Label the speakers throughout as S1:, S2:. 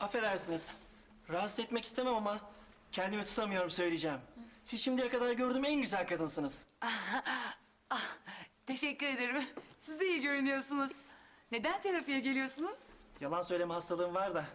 S1: Affedersiniz. Rahatsız etmek istemem ama kendimi tutamıyorum söyleyeceğim. Siz şimdiye kadar gördüğüm en güzel kadınsınız.
S2: Teşekkür ederim. Siz de iyi görünüyorsunuz. Neden terapiye geliyorsunuz?
S1: Yalan söyleme hastalığım var da.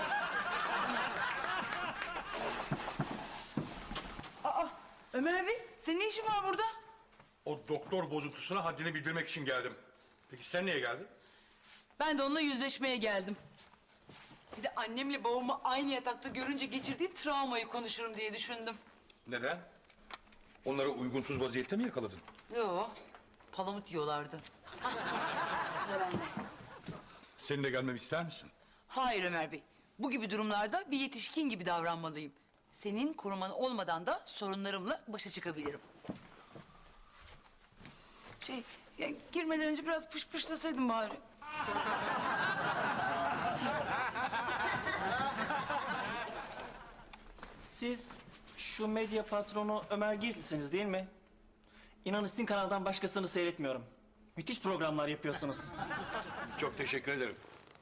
S2: Ömer Bey, senin ne işin var burada?
S3: O doktor bozuntusuna haddini bildirmek için geldim. Peki sen niye geldin?
S2: Ben de onunla yüzleşmeye geldim. Bir de annemle babamı aynı yatakta görünce geçirdiğim travmayı konuşurum diye düşündüm.
S3: Neden? Onları uygunsuz vaziyette mi yakaladın?
S2: Yo, palamut yiyorlardı. Sıra bende.
S3: Seninle gelmemi ister misin?
S2: Hayır Ömer Bey, bu gibi durumlarda bir yetişkin gibi davranmalıyım. Senin koruman olmadan da sorunlarımla başa çıkabilirim. Girmeden önce biraz pışpışlasaydım bari.
S1: Siz şu medya patronu Ömer Girtlisiniz değil mi? İnanın sizin kanaldan başkasını seyretmiyorum. Müthiş programlar yapıyorsunuz.
S3: Çok teşekkür ederim.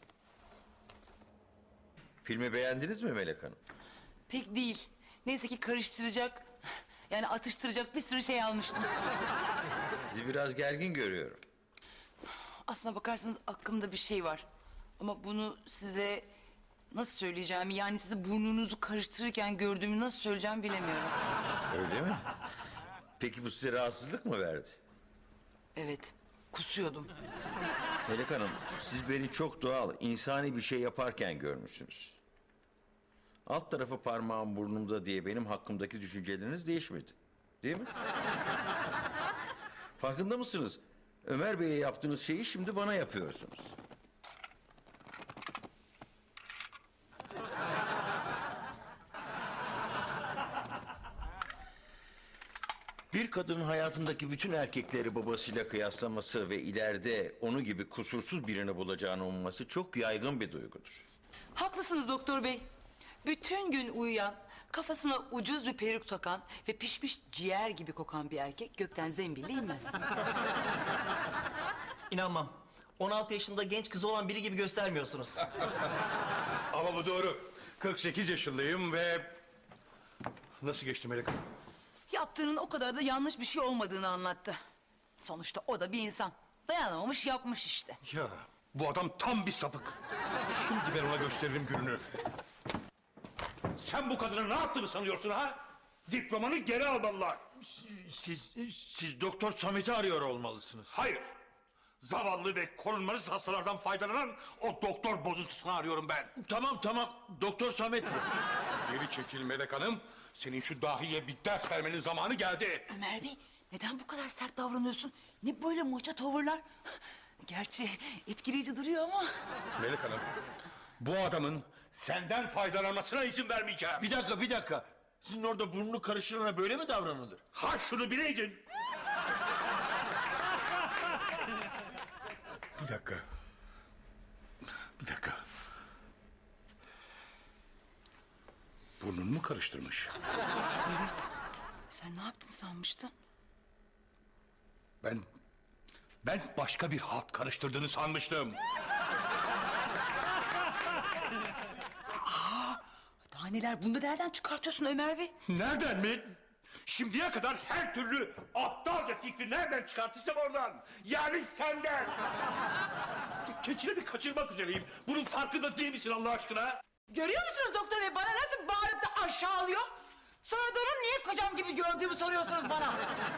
S4: Filmi beğendiniz mi Melek Hanım?
S2: Pek değil. Neyse ki karıştıracak, yani atıştıracak bir sürü şey almıştım.
S4: Sizi biraz gergin görüyorum.
S2: Aslına bakarsanız aklımda bir şey var. Ama bunu size nasıl söyleyeceğimi, yani sizi burnunuzu karıştırırken gördüğümü nasıl söyleyeceğimi bilemiyorum.
S4: Öyle mi? Peki bu size rahatsızlık mı verdi?
S2: Evet, kusuyordum.
S4: Melek Hanım, siz beni çok doğal, insani bir şey yaparken görmüşsünüz. Alt tarafı parmağım burnumda diye benim hakkımdaki düşünceleriniz değişmedi. Değil mi? Farkında mısınız? Ömer Bey'e yaptığınız şeyi şimdi bana yapıyorsunuz. Bir kadının hayatındaki bütün erkekleri babasıyla kıyaslaması ve ileride onu gibi kusursuz birini bulacağını umması çok yaygın bir duygudur.
S2: Haklısınız doktor bey. Bütün gün uyuyan, kafasına ucuz bir peruk takan ve pişmiş ciğer gibi kokan bir erkek gökten zembille inmez.
S1: İnanmam. 16 yaşında genç kızı olan biri gibi göstermiyorsunuz.
S3: Ama bu doğru. 48 yaşındayım ve... Nasıl geçti Melek Hanım?
S2: Yaptığının o kadar da yanlış bir şey olmadığını anlattı. Sonuçta o da bir insan. Dayanamamış yapmış işte.
S3: Ya bu adam tam bir sapık. Şimdi ben ona gösteririm gününü. Sen bu kadına ne yaptığını sanıyorsun ha? Diplomanı geri almalılar.
S4: Siz Doktor Samet'i arıyor olmalısınız.
S3: Hayır. Zavallı ve korunmasız hastalardan faydalanan o doktor bozuntusunu arıyorum ben.
S4: Tamam, Doktor Samet bu.
S3: Geri çekil Melek Hanım. Senin şu dahiye bir ders vermenin zamanı geldi.
S2: Ömer Bey, neden bu kadar sert davranıyorsun? Ne böyle maça tavırlar? Gerçi etkileyici duruyor ama...
S3: Melek Hanım, bu adamın senden faydalanmasına izin vermeyeceğim.
S4: Bir dakika. Sizin orada burnunu karıştırana böyle mi davranılır?
S3: Ha şunu bileydin. Bir dakika. Burnunu mu karıştırmış?
S2: Evet. Sen ne yaptın sanmıştın?
S3: Ben başka bir halt karıştırdığını sanmıştım.
S2: Daha neler? Bunu da nereden çıkartıyorsun Ömer Bey?
S3: Nereden mi? Şimdiye kadar her türlü aptalca fikri nereden çıkartırsam oradan. Yani senden. Keçini bir kaçırmak üzereyim. Bunun farkında değil misin Allah aşkına?
S2: Görüyor musunuz doktor bey? Bana nasıl bağırıp da aşağılıyor? Sonra da onun niye kocam gibi gördüğümü soruyorsunuz bana.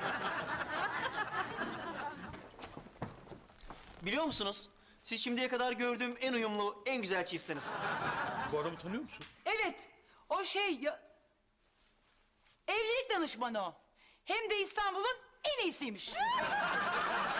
S1: Biliyor musunuz? Siz şimdiye kadar gördüğüm en uyumlu, en güzel çiftsiniz.
S3: Bu adamı tanıyor musun?
S2: Evet, o şey ya... Evlilik danışmanı o. Hem de İstanbul'un en iyisiymiş.